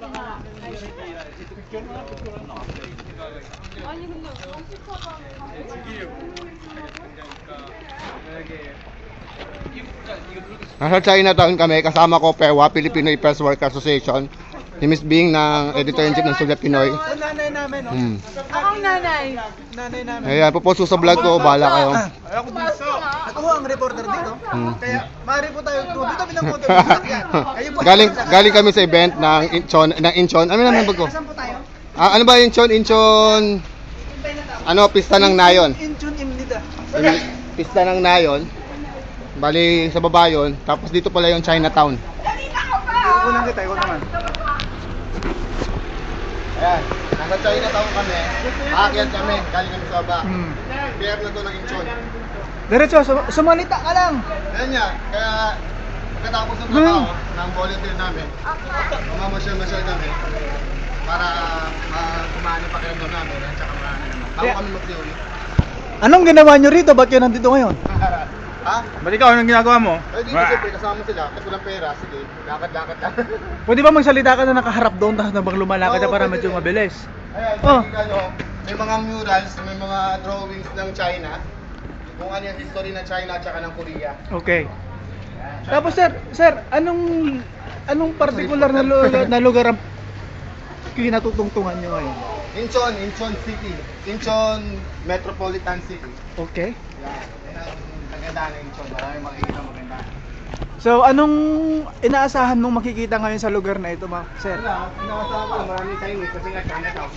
Nasa Chinatown kami, kasama ko PEWA, Filipino Press Worker Association. Si Miss Bing ng editor-in-chief ng Sulat Pinoy. Nanay namin, no? Akong nanay. Nanay namin. Ayan, puposto sa vlog ko, bahala kayo. Ako dito. Ako ang reporter dito. Kaya, maaari po tayo. Dito kami ng motor. Galing kami sa event ng Incheon. Ano naman bag ko? Saan po tayo? Ano ba Incheon? Ano, pista ng Nayon. Incheon Imnida. Pista ng Nayon. Bali sa baba yun. Tapos dito pala yung Chinatown. Unang kita, ikaw naman. Ayan, nasa Chinatown kami. Aakyat kami, galing kami sa baba. Pier na to ng Incheon. Diretso, sumalita ka lang. Ayan yan, kaya pagkatapos ng trabaho ng volunteer namin, mamamasyal-masyal kami para kumani pakiramdam namin at saka marami naman. Bago kami mag-theory. Anong ginawa nyo rito? Ba't kayo nandito ngayon? Ha? Ba't ikaw, anong ginagawa mo? Ay, dito siyempre kasama sila, kasi walang pera, sige, lakad-lakad lang. Pwede ba magsalita ka na nakaharap doon tapos nabang lumalakad Oo, na para pwede medyo rin. mabilis? Ayan, Oh. may mga murals, may mga drawings ng China, kung ano yung history ng China at saka ng Korea. Okay. Tapos sir, anong particular na lugar ang kinatutungtungan nyo ngayon? Incheon City, Incheon Metropolitan City. Okay. Yan ang kagandaan ng Incheon, maraming makikita maganda. So, anong inaasahan mong makikita ngayon sa lugar na ito, sir? Wala, inaasahan ko maraming Chinese kasi nga Chinatown.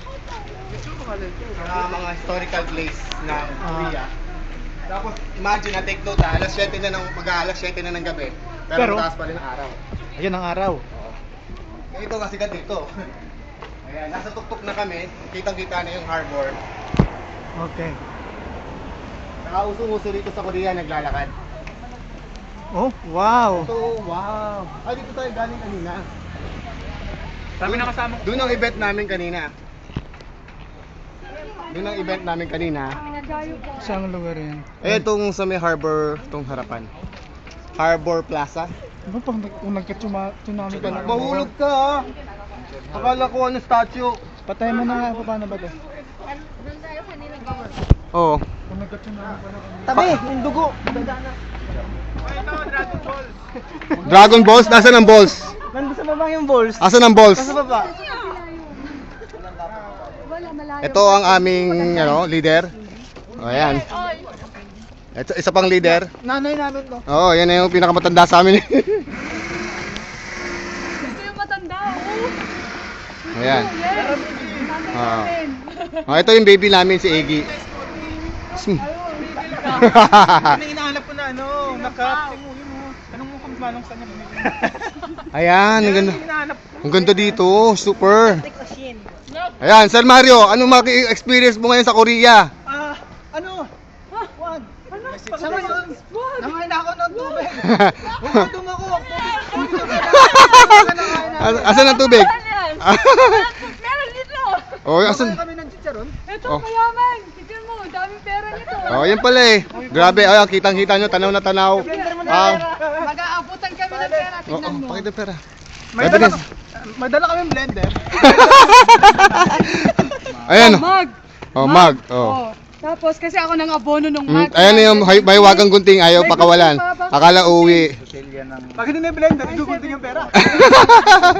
Mga historical place ng Korea. Tapos imagine na take note alas 7 na ng mag-aalas 7 na ng gabi. Pero mataas pa rin ang araw. Ayun ang araw. Ito kasi dito. Ayan, nasa tuktok na kami, kitang-kita na yung harbor. Okay. Nakausong-uso rito sa Korea naglalakad. Oh, wow. So, wow. Ay, dito tayo galing kanina. Sabi na kasama ko. Doon ang event namin kanina. Doon ang event namin kanina. Saan lugar yan? Eh, itong sa may harbor, itong harapan. Harbor Plaza. Ano pang kung nagka-tsunami ka na? Mahulog ka ha! Akala ko ano statue. Patay mo na nga, paano ba to? Oo. Kung nagka-tsunami ka na. Tabi, yung dugo. Dragon Balls? Nasaan ang balls? Nandun sa baba yung balls. Asan ang balls? Sa baba. Ito ang aming leader. O, ayan. Ito, isa pang leader. Nanay namin to. Oo, yan na yung pinakamatanda sa amin. Gusto yung matanda, oh. Ayan. Yes. Ah. Oh, ito yung baby namin, si Eggy. Ano hinahanap ko na nakap. Anong mo kung manong saan niya bumili? Ayan, ang ganda. Hinahanap ko. Ang ganda dito, super. Ayan, Sir Mario, ano experience mo ngayon sa Korea? Juan. Sa ngayon, nangain ako ng tubig. Bukadong ako. Asan ang tubig? Meron dito. Oh, asan? Kami ng chicharon. Ito, Oh. mayaman. Tignan mo, daming pera nito. Oh, yan pala eh. Grabe, ayan, kitang-kita nyo, tanaw na tanaw. Mag-aabutan kami ng pera. Tignan mo. Pakita pera. May dala kami blender. Ayan. Mag. Oh, mag. Oh. Oh. Tapos kasi ako nang abono nung mag. Ayan na yung baywagang gunting, ayaw pakawalan. Akala uwi. Pag hindi na blender, igugunting yung pera.